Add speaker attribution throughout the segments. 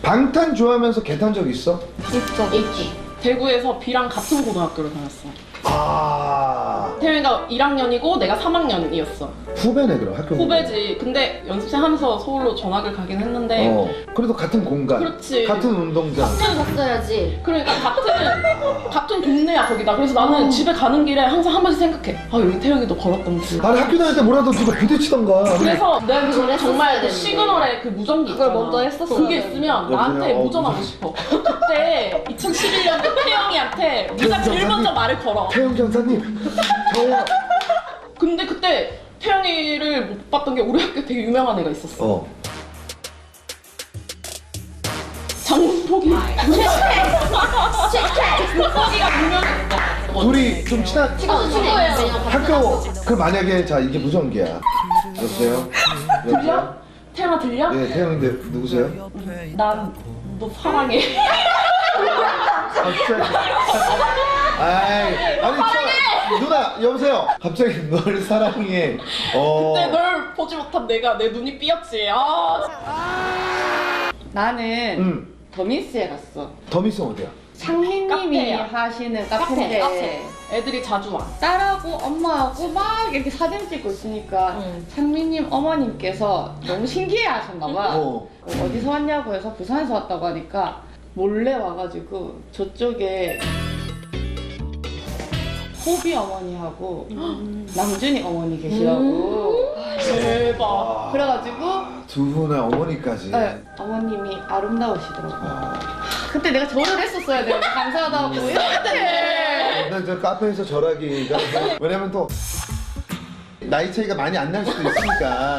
Speaker 1: 방탄 좋아하면서 개 탄 적 있어?
Speaker 2: 있지. 대구에서 B랑 같은 고등학교를 다녔어.
Speaker 1: 아
Speaker 2: 태영이가 1학년이고 내가 3학년이었어.
Speaker 1: 후배네 그럼 학교
Speaker 2: 후배지. 근데 연습생 하면서 서울로 전학을 가긴 했는데
Speaker 1: 그래도 같은 공간
Speaker 2: 그렇지.
Speaker 1: 같은 운동장
Speaker 3: 갔어야지.
Speaker 2: 그러니까 같은 동네야 거기다. 그래서 나는 집에 가는 길에 항상 한 번씩 생각해. 아 여기 태영이도 걸었던 길.
Speaker 1: 아니 학교 다닐 때 뭐라도 누가 부딪히던가
Speaker 2: 그래서 내가
Speaker 3: 그걸
Speaker 2: 정말
Speaker 3: 했었어야
Speaker 2: 시그널에 그 무전기
Speaker 3: 그걸
Speaker 2: 있잖아.
Speaker 3: 먼저 했었어야
Speaker 2: 그게
Speaker 3: 되는데.
Speaker 2: 있으면 나한테
Speaker 1: 여보세요?
Speaker 2: 무전하고 싶어. 그때 2011년에 태영이한테 네가 제일 먼저 말을 걸어.
Speaker 1: 태영 전사님 저요
Speaker 2: 근데 그때 태영이를 못 봤던 게 우리 학교에 되게 유명한 애가 있었어. 장문폭이. 장문폭이가 유명했어.
Speaker 1: 둘이 좀 친한
Speaker 3: 친구예요.
Speaker 1: 학교 그 만약에 자 이게 무전기야 여보세요?
Speaker 2: 들려? 태영아 들려?
Speaker 1: 예 태영인데 누구세요?
Speaker 2: 난 너 사랑해.
Speaker 1: 갑자기 아이 아니 저 누나 여보세요 갑자기 널 사랑해
Speaker 2: 그때 널 보지 못한 내가 내 눈이 삐었지.
Speaker 4: 나는 더미스에 갔어.
Speaker 1: 더미스 어디야?
Speaker 4: 창민님이
Speaker 2: 카페야.
Speaker 4: 하시는 카페인데
Speaker 2: 카페. 애들이 자주 와.
Speaker 4: 딸하고 엄마하고 막 이렇게 사진 찍고 있으니까 창민님 어머님께서 너무 신기해 하셨나봐. 어디서 왔냐고 해서 부산에서 왔다고 하니까 몰래 와가지고 저쪽에 호비 어머니하고 남준이 어머니 계시라고.
Speaker 2: 대박.
Speaker 4: 그래가지고
Speaker 1: 두 분의 어머니까지
Speaker 4: 네, 어머님이 아름다우시더라고요. 그때 내가 절을 했었어야 돼요. 감사하다고 이랬는데.
Speaker 1: 근데 저 카페에서 절하기가 왜냐면 또 나이 차이가 많이 안 날 수도 있으니까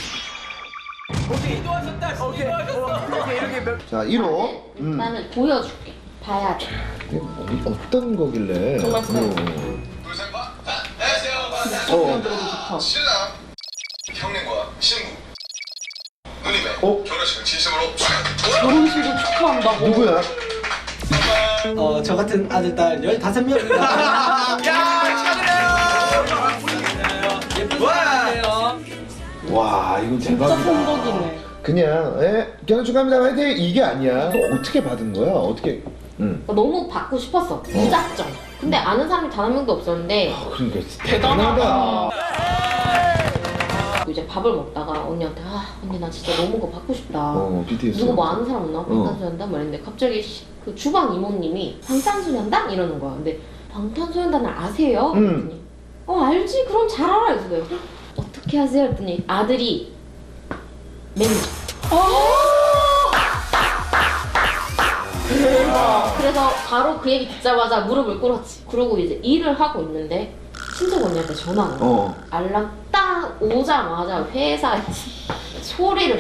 Speaker 1: 자 1호
Speaker 3: 나는 보여줄게. 봐야 돼.
Speaker 1: 어떤 거길래
Speaker 2: 정말
Speaker 5: 신랑 형님과 신부 누님의 결혼식을 진심으로
Speaker 2: 결혼식을 축하한다고.
Speaker 1: 누구야?
Speaker 6: 저 같은 아들, 딸 15명입니다.
Speaker 1: 와 이건
Speaker 2: 진짜
Speaker 1: 대박이다
Speaker 2: 성덕이네.
Speaker 1: 그냥 결혼 축하합니다 화이팅 이게 아니야 또 어떻게 받은 거야? 어떻게
Speaker 3: 너무 받고 싶었어. 무작정. 근데 아는 사람이 단 한 명도 없었는데
Speaker 1: 그러니까
Speaker 2: 대단하다.
Speaker 3: 이제 밥을 먹다가 언니한테 언니 나 진짜 너무 그거 받고 싶다.
Speaker 1: BTS
Speaker 3: 누구 뭐 아는 사람 없나? 방탄소년단 말했는데 갑자기 그 주방 이모님이 방탄소년단? 이러는 거야. 근데 방탄소년단을 아세요? 그랬더니 알지? 그럼 잘 알아. 그래서 내가 어떻게 하세요? 했더니 아들이 매니저. 그래서 바로 그 얘기 듣자마자 무릎을 꿇었지. 그러고 이제 일을 하고 있는데 친척 언니한테 전화가 와. 알람 딱 오자마자 회사에 소리를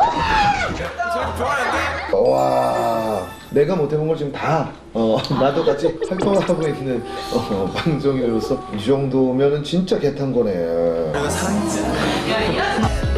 Speaker 1: 와 내가 못해본 걸 지금 다 나도 같이 활동을 하고 있는 방송인으로서 이 정도면은 진짜 개탄 거네.
Speaker 6: 내가 사랑했지.